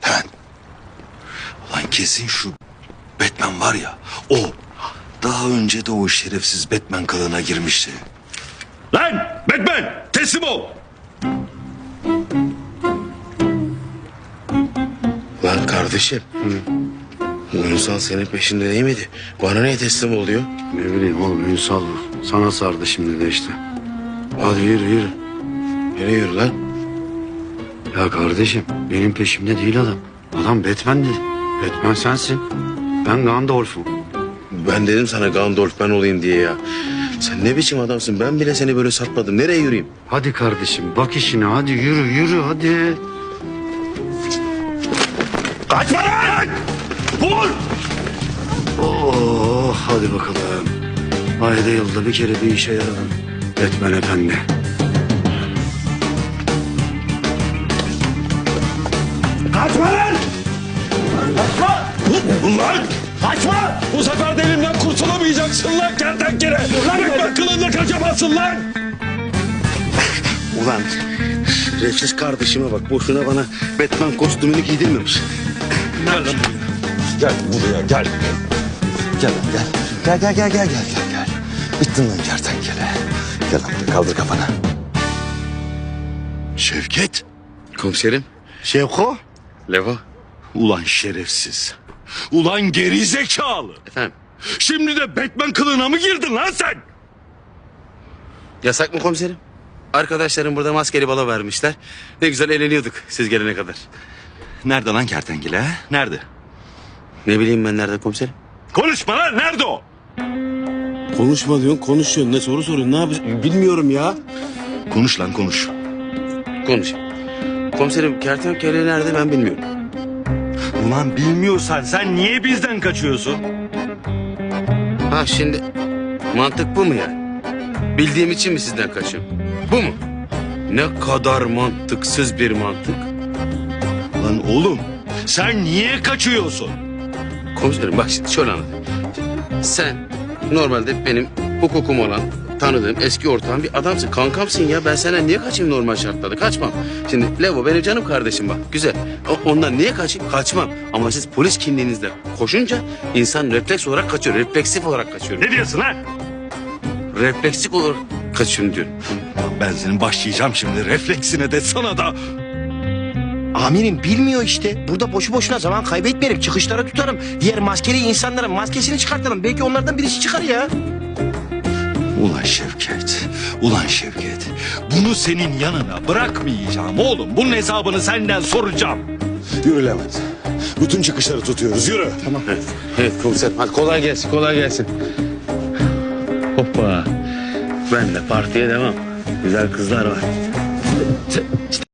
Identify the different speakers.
Speaker 1: Hemen. Lan kesin şu Batman var ya, o. Daha önce de o şerefsiz Batman kılığına girmişti. Lan Batman, teslim ol.
Speaker 2: Lan kardeşim. Ünsal senin peşinde değil miydi? Bana niye teslim oluyor?
Speaker 3: Ne bileyim oğlum, Ünsal sana sardı şimdi de işte. Hadi yürü yürü.
Speaker 2: Nereye yürü lan?
Speaker 3: Ya kardeşim, benim peşimde değil adam. Adam Batman dedi. Batman sensin. Ben Gandalf'um.
Speaker 2: Ben dedim sana Gandalf ben olayım diye ya. Sen ne biçim adamsın? Ben bile seni böyle satmadım. Nereye yürüyeyim?
Speaker 3: Hadi kardeşim, bak işine, hadi yürü yürü hadi.
Speaker 1: Kaçma lan! Vur!
Speaker 3: Oh, hadi bakalım. Ayda yılda bir kere bir işe yaradın. Batman efendi.
Speaker 1: Kaçma lan! Kaçma! Ulan! Kaçma! Bu sefer de elimden kurtulamayacaksın lan kertenkele! Batman kılığında kaçamazsın lan!
Speaker 2: Ulan refsiz kardeşime bak. Boşuna bana Batman kostümünü giydirmemiş.
Speaker 1: Gel lan buraya. Gel buraya gel. Gel lan gel. Gel. Bittin lan kertenkele. Gel lan buraya, kaldır kafanı. Şevket.
Speaker 2: Komiserim.
Speaker 3: Şevko.
Speaker 2: Levo.
Speaker 1: Ulan şerefsiz. Ulan gerizekalı.
Speaker 2: Efendim.
Speaker 1: Şimdi de Batman kılığına mı girdin lan sen?
Speaker 2: Yasak mı komiserim? Arkadaşlarım burada maskeli balo vermişler. Ne güzel eğleniyorduk siz gelene kadar.
Speaker 1: Nerede lan kertenkele ha? Nerede?
Speaker 2: Ne bileyim ben nerede komiserim?
Speaker 1: Konuşma lan, nerede o?
Speaker 2: Konuşma diyorsun, konuşuyorsun. Ne soru soruyorsun? Ne yapıyorsun? Bilmiyorum ya.
Speaker 1: Konuş lan konuş.
Speaker 2: Konuş. Komiserim kertenkele nerede ben bilmiyorum.
Speaker 1: Ulan bilmiyorsan sen niye bizden kaçıyorsun?
Speaker 2: Ha şimdi mantık bu mu yani? Bildiğim için mi sizden kaçıyorum? Bu mu? Ne kadar mantıksız bir mantık.
Speaker 1: Lan oğlum sen niye kaçıyorsun?
Speaker 2: Komiserim bak şimdi şöyle anlatayım. Sen normalde benim hukukum olan tanıdığım eski ortağım bir adamsın. Kankamsın ya. Ben senden niye kaçayım normal şartlarda? Kaçmam. Şimdi Levo benim canım kardeşim bak. Güzel. Ondan niye kaçayım? Kaçmam. Ama siz polis kimliğinizle koşunca insan refleks olarak kaçıyor. Refleksif olarak kaçıyor.
Speaker 1: Ne diyorsun lan?
Speaker 2: Refleksif olarak kaçıyorum diyorum.
Speaker 1: Ben senin başlayacağım şimdi refleksine de sana da.
Speaker 4: Amirim bilmiyor işte. Burada boşu boşuna zaman kaybetmeyelim. Çıkışlara tutarım. Diğer maskeli insanların maskesini çıkartalım. Belki onlardan birisi çıkar ya.
Speaker 1: Ulan Şevket. Bunu senin yanına bırakmayacağım oğlum. Bunun hesabını senden soracağım. Yürü Levent. Bütün çıkışları tutuyoruz, yürü.
Speaker 2: Tamam. Evet komiserim. Hadi kolay gelsin, kolay gelsin. Hoppa. Ben de partiye devam. Güzel kızlar var.